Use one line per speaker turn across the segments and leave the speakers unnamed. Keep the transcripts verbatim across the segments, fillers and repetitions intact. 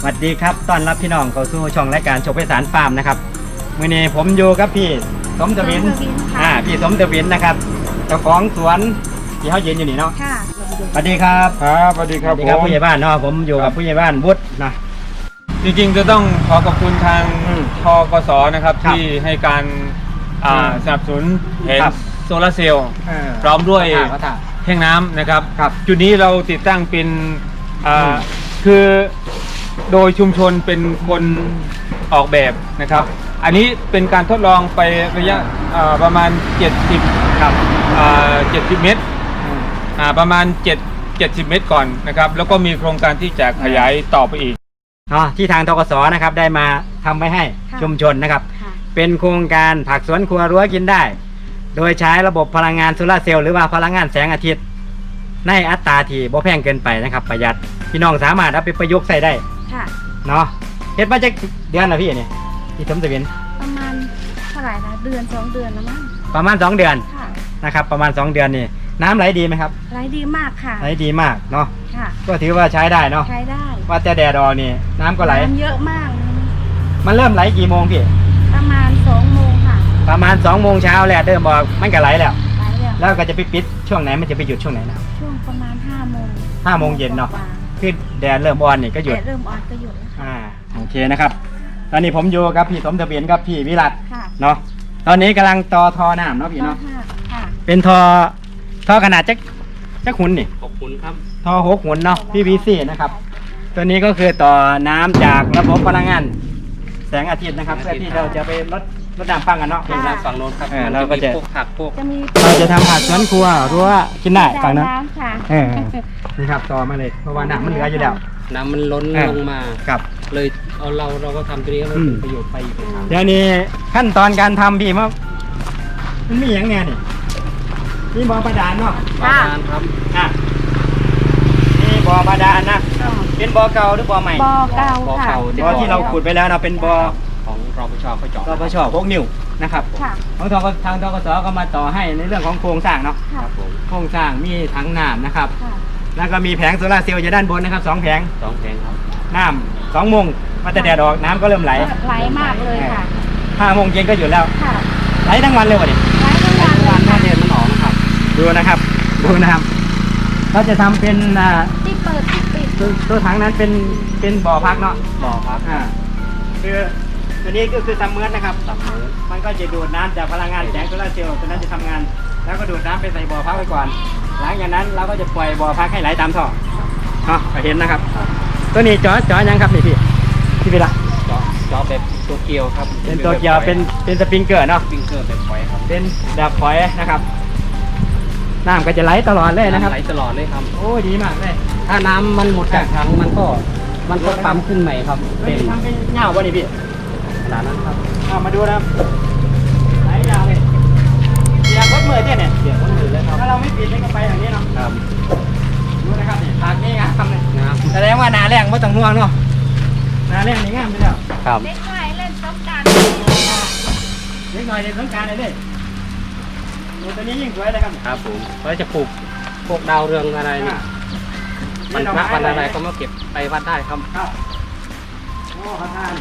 วัสดีครับต้อนรับพี่น้องเข้าสู่ช่องรายการโชคไพศาลฟาร์มนะครับมื้อนี้ผมอยู่กับพี่สมทวินอ่าพี่สมทวินนะครับเจ้าของสวนที่เขายืนอยู่นี่เนาะ
ค่ะ
สวัสดีครับ
ครับสวัสดีครับผม
ผู้ใหญ่บ้านเนาะผมอยู่กับผู้ใหญ่บ้านวุฒินะ
จริงๆจะต้องขอขอบคุณทางทกสนะครับที่ให้การสนับสนุนแผงโซลาร์เซลล์พร้อมด้วยแท่งน้ำนะครับจุดนี้เราติดตั้งเป็นคือโดยชุมชนเป็นคนออกแบบนะครับอันนี้เป็นการทดลองไประยะประมาณเจ็ดสิบครับเจ็ดสิบเมตรประมาณเจ็ด เจ็ดสิบเมตรก่อนนะครับแล้วก็มีโครงการที่จะขยายต่อไปอีก
เนาะที่ทางทกสนะครับได้มาทำไว้ให้ชุมชนนะครับเป็นโครงการผักสวนครัวรั้วกินได้โดยใช้ระบบพลังงานโซลาร์เซลล์หรือว่าพลังงานแสงอาทิตย์ในอัตราที่บ่แพงเกินไปนะครับประหยัดพี่น้องสามารถเอาไปประยุกต์ใส่ได้เนาะเฮ็ดมาจากเดือนละพี่เนี่ยพี่สมทวิน
ประมาณเท่าไหร่นะเดือนสองเดือนแล้วมั้ง
ประมาณสองเดือนนะครับประมาณสองเดือนนี่น้ำไหลดีไหมครับ
ไหลดีมากค่ะ
ไหลดีมากเนาะก็ถือว่าใช้ได้เนาะ
ใช้ได้
ว่าแต่แดดออกนี่น้ำก็ไหล
น้ำเยอะมาก
มันเริ่มไหลกี่โมงพี่
ประมาณสองโมงค่ะ
ประมาณสองโมงเช้าแล้วเริ่มบอกมันก็ไหลแล้วไหลแล้วแล้วก็จะไปปิดช่วงไหนมันจะไปหยุดช่วงไหนนะ
ช่วงประมาณห้าโมง
ห้าโมงเย็นเนาะคือแดดเริ่มอ่อนนี่ก็หยุด
แดดเริ่มอ่อนก็หยุดแล้ว
อ่าโอเคนะครับตอนนี้ผมอยู่กับพี่สมทวินกับพี่วิรัตเนาะตอนนี้กำลังต่อทอน้ำเนาะพี่เนาะเป็นทอทอขนาดจักจักหุ่นนี่
หกหุ่นครับ
ทอหกหุ่นเนาะ พี วี ซี นะครับตัวนี้ก็คือต่อน้ำจากระบบพลังงานแสงอาทิตย์นะครับเพื่อที่เราจะไปลดลดน้ำฟังกันเนาะ
เป็นน้ำฝั่งโน้นครับ
เราก็จะ
พวกผักพวก
เราจะทำผักสวนครัวรั้วกินได้ฝั่งนั้นเออนี่ครับต่อมาเลยเพราะว่าน้ำมันเหลืออยู่แล้ว
น้ำมันล้นลงมา
ครับ
เลยเอาเราเราก็ทำตัวนี้ให้เป็นประโยชน์ไปอีก
เดี๋ยวนี้ขั้นตอนการทำพี่มั้งมันมีอย่างไงนี่นี่บ่อประดานเนาะ
บ่อประดานครับ
อ่ะนี่บ่อประดานนะเป็นบ่อเก่าหรือบ่อใหม่
บ่อเก่าค่ะ
บ่อที่เราขุดไปแล้วเราเป็นบ่อ
ของรปชเขาเจาะ
รปชพวกนิ้วนะครับของทางทางทกสก็มาต่อให้ในเรื่องของโครงสร้างเนาะโครงสร้างมีถังน้ำนะครับแล้วก็มีแผงโซลาร์เซลล์อยู่ด้านบนนะครับสองแผง
สองแผงครับ
น้ำสองโมงมาแต่แดดออกน้ำก็เริ่มไหล
ไหลมากเลยค่ะ
ห้าโมงเย็นก็หยุดแล้วไหลทั้งวันเลยวะเนี่ย
ไหลทั้งวัน
วันหน้าเดือนมันออกนะครับดูนะครับดูนะครับเขาจะทำเป็น
ที่เปิดที่ปิด
ตัวถังนั้นเป็นเป็นบ่อพักเนาะ
บ่อพัก
อ่าคือตัวนี้ก็คือซัมเมอร์นะครับซัมเมอร์มันก็จะดูดน้ำจากพลังงานแสงโซลาร์เซลล์ตัวนั้นจะทำงานแล้วก็ดูดน้ำไปใส่บ่อพักไว้ก่อนหลังจากนั้นเราก็จะปล่อยบ่อพักให้ไหลตามท่อเนาะเห็นนะครับตัวนี้จอจอยังครับนี่พี่พี่เป็นละ
จอจอแบบตัวเกียวครับ
เป็นตัวเกียวเป็นเป็นสปริงเกอร์เนาะ
สปริงเกอร์แบบฝอยครับ
เป็นแบบฝอยนะครับน้ำก็จะไหลตลอดเลยนะครับ
ไหลตลอดเลยครับ
โอ้ดีมากเลย
ถ้าน้ำมันหมดจากถังมันก็มันก็ปั๊มขึ้นใหม่ครับ
เป็นทำเป็นเงาวันนี้พี่
ขนาดนั้นครับ
เอามาดูนะครับไหลยาวเลยเสียบวัดมือเนี่ยเนี่ย
เสียบวัดมือเลยครับ
ถ้าเราไม่ปิดมันก็ไปอย่างนี้เนาะ
ครับ
ดูนะครับนี่ทางนี้งามเลยแสดงว่านาแรงไม่ต้องห่วงเนาะนาแรงนี่งามไปแล้ว
ครับ
เล็กน้อยเล่นสงกรานต์
เล็กน้อยเล่นสงกรานต์เลยดูตัวนี้ยิ่งสวยเลยครับ
ครับผมเราจะปลูกพวกดาวเรืองอะไรนี่วันพระวันอะไรก็มาเก็บไปวัดได้ครับ
ครับโอ้พระธาตุ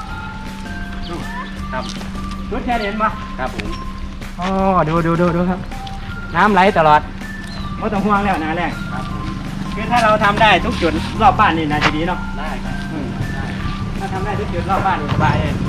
ครับ
ชุดแค่เห็นมา
ครับผม
อ๋อดูดูดูดูครับน้ำไหลตลอดไม่ต้องห่วงแล้วนาแรง
ครับผม
คือถ้าเราทำได้ทุกจุดรอบบ้านนี่นะจะดีเนาะ
ได้ครับ
ถ้าทำได้ทุกจุดรอบบ้านนี่สบายเลย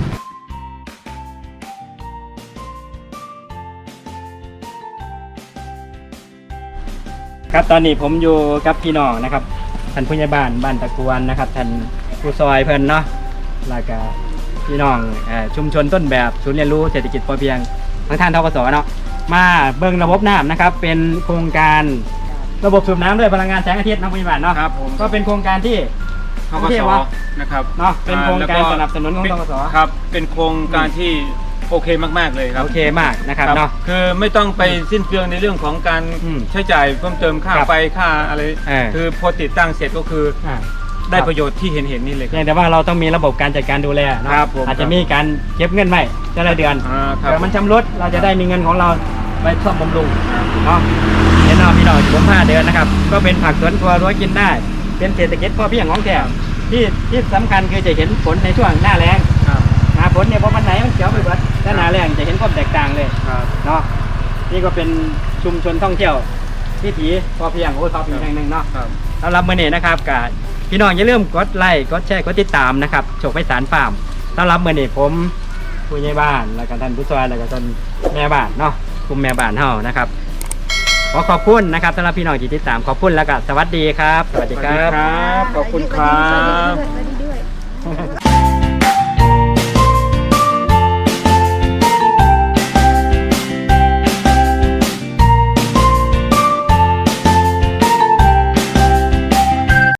ครับตอนนี้ผมอยู่กับพี่น้องนะครับท่านผู้ใหญ่บ้านบ้านตะกวนนะครับท่านผู้ซอยเพิ่นเนาะแล้วก็พี่น้องชุมชนต้นแบบศูนย์เรียนรู้เศรษฐกิจพอเพียงทางท่านทกสเนาะมาเบิ่งระบบน้ำนะครับเป็นโครงการระบบสูบน้ำด้วยพลังงานแสงอาทิตย์นะผู้ใหญ่บ้านเนาะ
ครับผม
ก็เป็นโครงการที่
ทกสนะครับ
เนาะเป็นโครงการสนับสนุนของทกส
ครับเป็นโครงการที่โอเคมากๆเลยครับ
โอเคมากนะครับเนาะ
คือไม่ต้องไปสิ้นเปลืองในเรื่องของการใช้จ่ายเพิ่มเติมค่าไฟค่าอะไรคือพอติดตั้งเสร็จก็คือได้ประโยชน์ที่เห็นเห็นนี่เลย
แต่ว่าเราต้องมีระบบการจัดการดูแลนะครับอาจจะมีการเก็บเงินไว้แต่ละเดือนเดี๋ยวมันชำรุดเราจะได้มีเงินของเราไปซ่อมบำรุงเนาะเห็นเนาะพี่น้องผมผ้าเดือนนะครับก็เป็นผักสวนครัวรั้วกินได้เป็นเศรษฐกิจพอเพียงของแท้ที่ที่สำคัญคือจะเห็นผลในช่วงหน้าแล้ง
ครับ
หน้าฝนเนี่ยพอวันไหนมันเขียวไปหมดถ้าหน้าแล้งจะเห็นความแตกต่างเลย
ครับ
เนาะนี่ก็เป็นชุมชนท่องเที่ยววิถีพอเพียงโอ้ท็อปอีกแห่งหนึ่งเนาะ
ครับ
สำหรับมื้อนี้นะครับกับพี่น้องอย่าลืมกดไลค์กดแชร์กดติดตามนะครับโชคไพศาลฟาร์มสำหรับมื้อนี้ผมผู้ใหญ่บ้านแล้วก็ท่านผู้ช่วยแล้วก็ท่านแม่บ้านเนาะกลุ่มแม่บ้านเฮานะครับขอขอบคุณนะครับสำหรับพี่น้องที่ติดตามขอบคุณแล้วก็สวัสดีครับ สวัสดีครับ
ขอบคุณครับ
สวัสดีด้วยสวัสดีด้วย